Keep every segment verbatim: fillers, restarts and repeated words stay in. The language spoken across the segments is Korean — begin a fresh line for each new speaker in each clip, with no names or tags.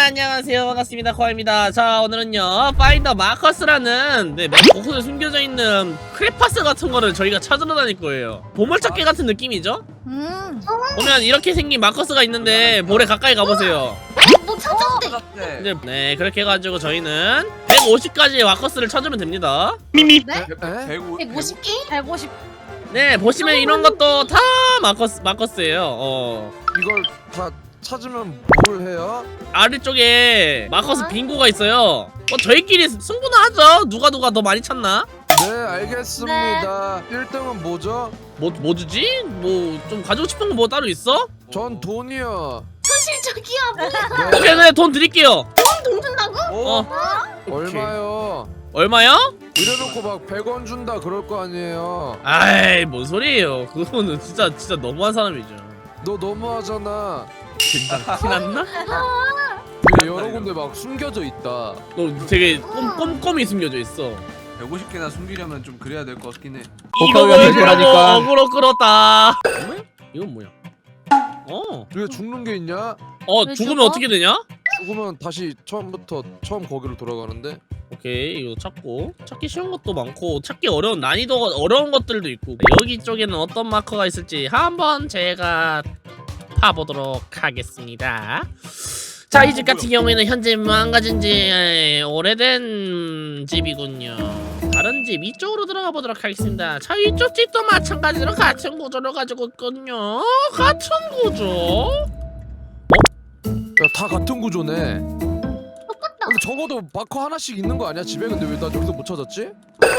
안녕하세요. 반갑습니다. 코아입니다. 자, 오늘은요 파인더 마커스라는 네, 맵 곳곳에 숨겨져 있는 크레파스 같은 거를 저희가 찾으러 다닐 거예요. 보물찾기 같은 느낌이죠?
음.
보면 이렇게 생긴 마커스가 있는데 볼에 가까이 가보세요.
뭐 찾았대.
이제 네 그렇게 해가지고 저희는 백오십까지의 마커스를 찾으면 됩니다. 미미.
네?
백오십
개? 백오십.
네 보시면 이런 것도 다 마커스 마커스예요. 어
이걸 다 찾으면 뭘 해요?
아래쪽에 마커스 빙고가 있어요. 뭐 저희끼리 승부나 하죠. 누가 누가 더 많이 찾나?
네 알겠습니다. 일 등은 뭐죠?
뭐, 뭐 주지? 뭐 좀 가지고 싶은 거 뭐 따로 있어?
전 돈이요.
현실적이야.
네.
오케이 네 돈 드릴게요.
돈 준다고?
어
얼마요?
얼마요?
이래놓고 막 백 원 준다 그럴 거 아니에요.
아이 뭔 소리예요. 그거는 진짜 진짜 너무한 사람이죠.
너 너무하잖아.
진짜 티났나?
이게 여러 군데 막 숨겨져 있다.
너 되게 꼼, 꼼꼼히 숨겨져 있어.
백오십 개나 숨기려면 좀 그래야 될 것 같긴 해.
이거 보여주려고 어그로 끌었다. 뭐야? 이건 뭐야? 어.
왜 죽는 게 있냐?
어
왜
죽으면
죽어?
어떻게 되냐?
죽으면 다시 처음부터 처음 거기로 돌아가는데.
오케이 이거 찾고 찾기 쉬운 것도 많고 찾기 어려운 난이도가 어려운 것들도 있고 여기 쪽에는 어떤 마커가 있을지 한번 제가 파보도록 하겠습니다. 자, 이 집 같은 경우에는 현재 망가진 지 오래된 집이군요. 다른 집 이쪽으로 들어가 보도록 하겠습니다. 자, 이쪽 집도 마찬가지로 같은 구조를 가지고 있군요. 같은 구조?
야 다 같은 구조네. 근데 적어도 마커 하나씩 있는 거 아니야 집에? 근데 왜 나 여기서 못 찾았지?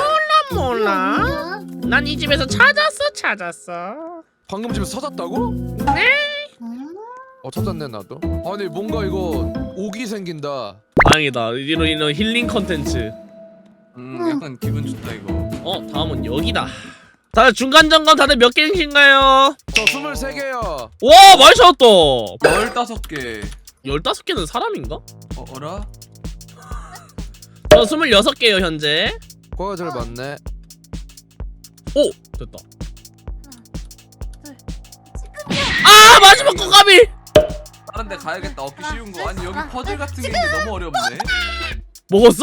몰라. 난 이 집에서 찾았어, 찾았어.
방금 집에서 찾았다고?
네.
어 찾았네 나도. 아니 뭔가 이거 옥이 생긴다.
다행이다. 이런 이런 힐링 컨텐츠.
음, 약간 기분 좋다 이거.
어, 다음은 여기다. 다들 중간 점검 다들 몇 개이신가요?
저 스물세 개요.
와, 많이 찾았다.
열다섯 개.
열다섯 개는 사람인가?
어, 어라?
저 스물여섯 개요 현재.
거가 제일 많네.
오! 됐다. 아! 마지막 거 까비!
다른 데 가야겠다. 얻기 쉬운 거. 아니 여기 퍼즐 같은 게 있는데 너무 어렵네.
먹었어?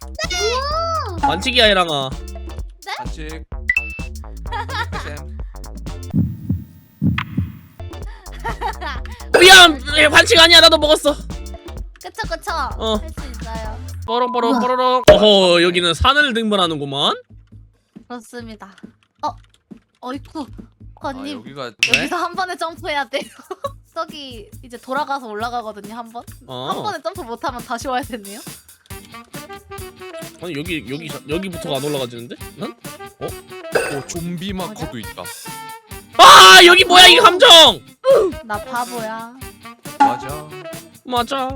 반칙이야 해랑아.
반칙. 쌤.
미안! 예, 반칙 아니야 나도 먹었어.
그쵸 그쵸.
어.
할 수 있어요.
뽀롱뽀롱 뽀로롱. 어허 여기는 산을 등반하는구만.
그렇습니다. 어, 어이쿠.
아
권님
여기가
여기서 한 번에 점프해야 돼요. 저기 이제 돌아가서 올라가거든요 한 번.
어.
한 번에 점프 못하면 다시 와야 되네요.
아니 여기 여기 여기부터가 안 올라가지는데? 난?
오 좀비 마커도 있다.
아 여기 뭐야 이 함정!
나 바보야.
맞아.
맞아.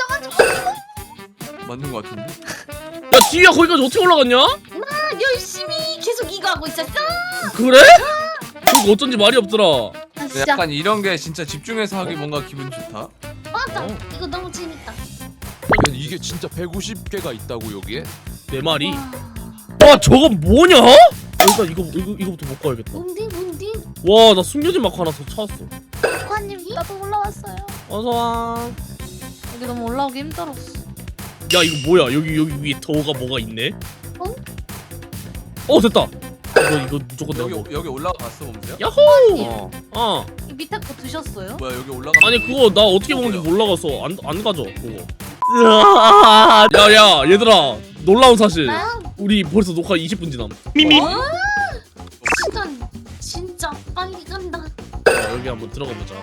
맞는 거 같은데.
야 뒤야 거기까지 어떻게 올라갔냐?
나 열심히 계속 이거 하고 있었어.
그래? 그거 어쩐지 말이 없더라.
아, 진짜
약간 이런 게 진짜 집중해서 하기 뭔가 기분 좋다.
맞아.
어.
이거 너무 재밌다.
이게 진짜 백오십 개가 있다고 여기에?
내 말이.
와,
와 저건 뭐냐? 일단 이거 이거 이거부터 먹고 가야겠다.
뭔디 뭔디?
와 나 숨겨진 마크 하나 더 찾았어.
관님 나도 올라왔어요.
어서 와.
여기 너무 올라오기 힘들었어.
야 이거 뭐야? 여기 여기 위에 더가 뭐가 있네?
어?
어 됐다. 이거 이거 무조건 내가
여기
먹어.
여기 올라가 봤어 봄새야?
야호!
어.
어.
이 밑에 거 드셨어요?
뭐야 여기 올라가?
아니 그거 나 어떻게 먹는지 몰라가서 안 안 가져 그거. 으아. 야야 얘들아 놀라운 사실.
나요?
우리 벌써 녹화 이십 분 지남. 미미.
어? 시간 진짜 빨리 간다.
자, 여기 한번 들어가 보자.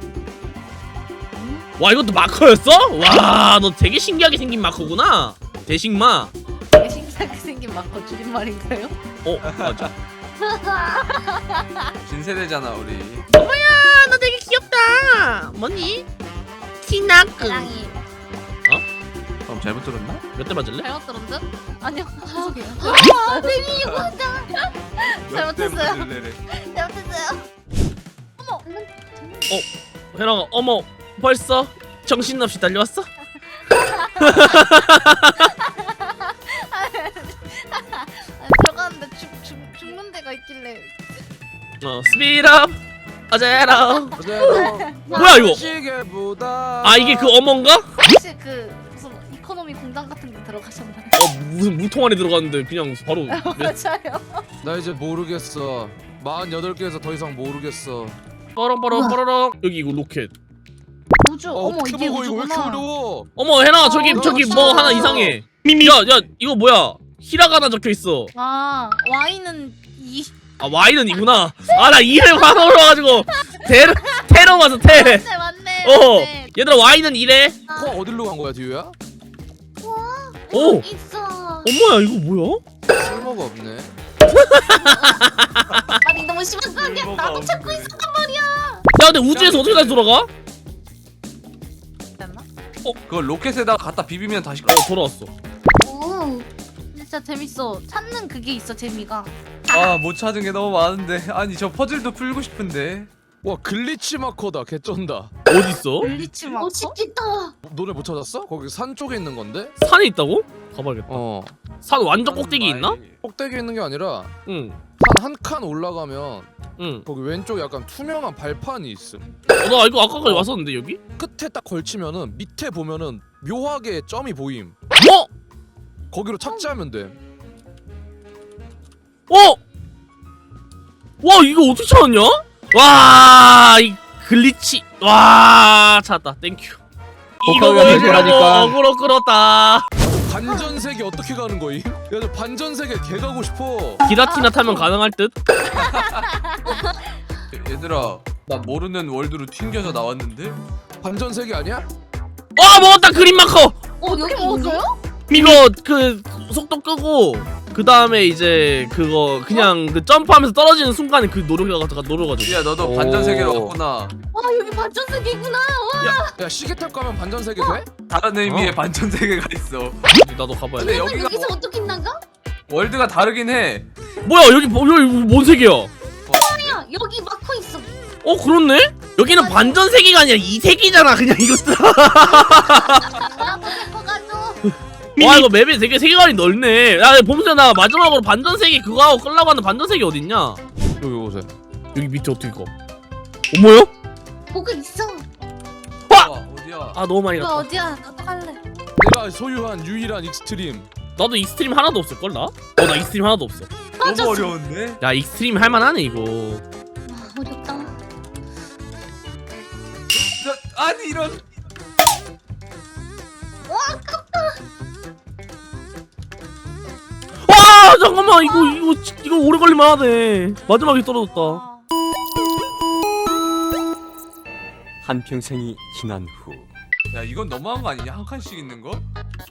와 이것도 마커였어? 와 너 되게 신기하게 생긴 마커구나. 대식마.
되게 신기하게 생긴 마커 줄임말인가요?
어 맞아.
진세대잖아 우리.
아, 너 되게 귀엽다. 뭐니? 티나크.
사랑이
그럼 잘못 들었나?
몇 대 맞을래?
잘못 들은 듯? 아니요. 죄송해요. 아, 베비 이거 한다. 잘못했어요.
맞을래래.
잘못했어요. 어머.
혜랑아 어머 벌써 정신없이 달려왔어?
아니, 들어가는데 죽, 죽, 죽는 데가 있길래.
어 스피드업 어제로.
어제로
뭐야, 이거?
시계보다
아 이게 그 어머인가?
혹시 그 무슨 이코노미 공장 같은 데 들어가셨나요?
어 무슨 무통 안에 들어갔는데 그냥 바로
맞아요.
나 이제 모르겠어. 마흔여덟 개에서 더 이상 모르겠어.
뻐렁뻐렁 뻐렁. 여기 이거 로켓.
우주.
어,
어머
어떻게
이게
먹어 이거 왜 이렇게
우주구나.
어려워?
어머 해나 저기
어,
저기
그렇죠.
뭐 하나 이상해. 야야 이거 뭐야? 히라가나 적혀 있어.
아 와인은 이.
아 와인은 이구나. 아 나 이름 하나 올라가지고 테러 테러 와서 테.
맞네 맞네.
어
맞네.
얘들아 와인은 이래.
아,
코 어디로 간 거야 디유야?
오
있어.
엄마야 이거 뭐야?
쓸모가 없네.
아니 너무 심한 거 아니야?
쓸모가
나도 찾고
없네.
있었단 말이야.
야 근데 우주에서 어떻게 다시 돌아가?
됐나?
그걸 로켓에다가 갖다 비비면 다시
어 돌아왔어.
오. 진짜 재밌어. 찾는 그게 있어 재미가.
아 못 찾은 게 너무 많은데. 아니 저 퍼즐도 풀고 싶은데.
와 글리치 마커다 개쩐다.
어디 있어?
블리치 마커?
멋있겠다.
너네 못 찾았어? 거기 산 쪽에 있는 건데?
산에 있다고? 가봐야겠다.
어
산 완전 꼭대기 있나?
꼭대기에 있는 게 아니라
응.
산 한 칸 올라가면
응.
거기 왼쪽에 약간 투명한 발판이 있음.
어, 나 이거 아까까지 왔었는데 여기?
끝에 딱 걸치면은 밑에 보면은 묘하게 점이 보임.
어?
거기로 착지하면 돼.
어? 와 이거 어떻게 찾았냐? 와 이 글리치 와 찾았다 땡큐. 이거
복합이 안
보여주려고
되니까.
어그로 끌었다.
반전세계 어떻게 가는 거임? 야 저 반전세계 개 가고 싶어.
기라티나 타면 가능할 듯?
얘들아 나 모르는 월드로 튕겨서 나왔는데.
반전세계 아니야?
어 먹었다 그린 마커.
어 여기 먹었어요?
이거 그 속도 끄고 그 다음에 이제 그거 그냥 그 점프하면서 떨어지는 순간에 그 노력해가 노려가지고.
야 너도
오.
반전 세계로 갔구나.
와 여기 반전 세계구나.
야 시계 탈 거면 반전세계 돼?
다른 의미의
어.
반전 세계가 있어.
나도 가봐야
근데
돼.
여기가
여기서
뭐-
어떻게 나가?
월드가 다르긴 해.
뭐야 여기 뭐 여기 뭔 색이야?
야 여기 마커 있어.
어 그렇네? 여기는 반전 세계가 아니라 이 세계잖아 그냥 이것들.
나도 데리고 가줘.
와 이거 맵이 되게 세계관이 넓네. 야 봄새 나 마지막으로 반전 세계 그거 하고 끌라고 하는 반전 세계 어딨냐?
여기 오세요.
여기 밑에 어떻게 가? 어머요?
뭐가 있어.
와!
와, 어디야?
아 너무 많이
이거
갔다.
어디야? 나도 갈래.
내가 소유한 유일한 익스트림.
나도 익스트림 하나도 없을걸 나? 어 나 익스트림 하나도 없어.
너무 어려운데?
야 익스트림 할만하네 이거.
와 어렵다.
저, 아니 이런.
와 잠깐만 이거 이거 이거 오래 걸릴만 하네. 마지막에 떨어졌다.
아.
한평생이 지난 후
야 이건 너무한 거 아니냐? 한 칸씩 있는 거?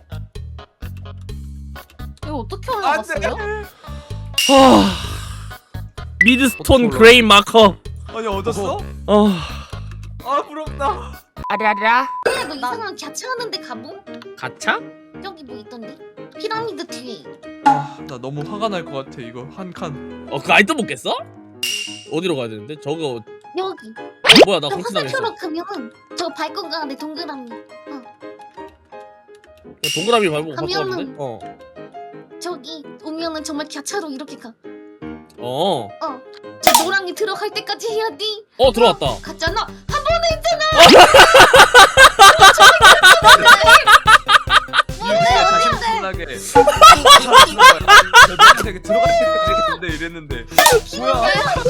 이거 어떻게
안돼.
올라갔어요?
아 미드스톤 그레이 마커.
아니 얻었어?
아
아 부럽다.
아라라.
야 너 이상한 갸차하는데 가보?
가차?
저기 뭐 있던데? 피라미드 뒤에.
아, 나 너무 화가 날 것 같아 이거 한 칸.
어 그거 아직도 못 깼어? 어디로 가야 되는데? 저거
여기.
어, 뭐야 나
저
공치당했어.
화살표로 가면 저 밟고 가는데 동그라미.
동그라미 밟고 갖고
가면은-
왔는데? 어.
저기 오면은 정말 갸차로 이렇게 가.
어.
저 노랑이 들어갈 때까지 해야 돼.
어 들어왔다.
갔잖아.
이게 자신만하게 저 되게 들어갈 때까지 했는데 이랬는데 뭐야?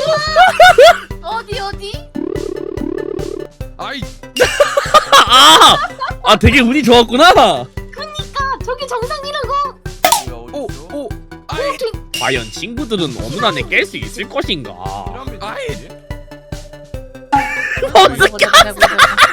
어디 어디?
아이
아! 아 되게 운이 좋았구나.
아 저기 정상이라고.
뭐야
오
어디 있어?
오 아이
과연 친구들은 어느 날에 깰 수 있을 것인가?
피라미드
아이.
어디지?
어떻게?
보자, 보자, 보자.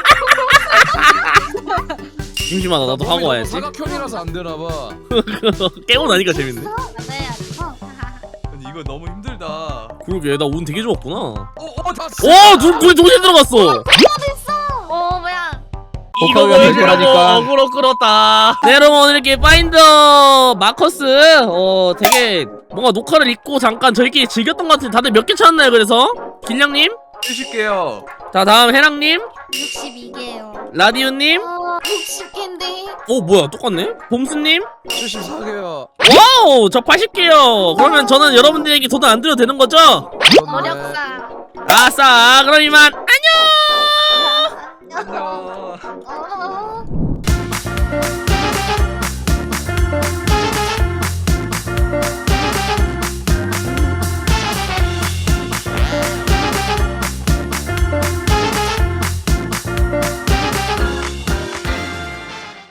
심심하다 나도 하고 와야지.
사각형이라서 안 되나 봐.
깨고 나니까 재밌네.
네.
아니 이거 너무 힘들다.
그러게 나 운 되게 좋았구나.
오오 다.
오! 둘 둘이 동시에 들어갔어.
어 뭐야?
이거
복합이 안
보여주려고
되니까.
어그로 끌었다. 네 여러분 오늘 이렇게 파인더 마커스 어 되게 뭔가 녹화를 잊고 잠깐 저희끼리 즐겼던 것 같은데 다들 몇 개 찾았나요? 그래서 길냥님,
해줄게요.
자 다음 해랑님,
육십이 개요.
라디오님,
어, 육십 개인데.
오 뭐야 똑같네. 봄수님,
칠십사 개야.
와우 저 팔십 개요. 그러면 저는 여러분들에게 돈 안 드려도 되는 거죠?
어렵다.
아싸 그럼 이만 안녕.
안녕.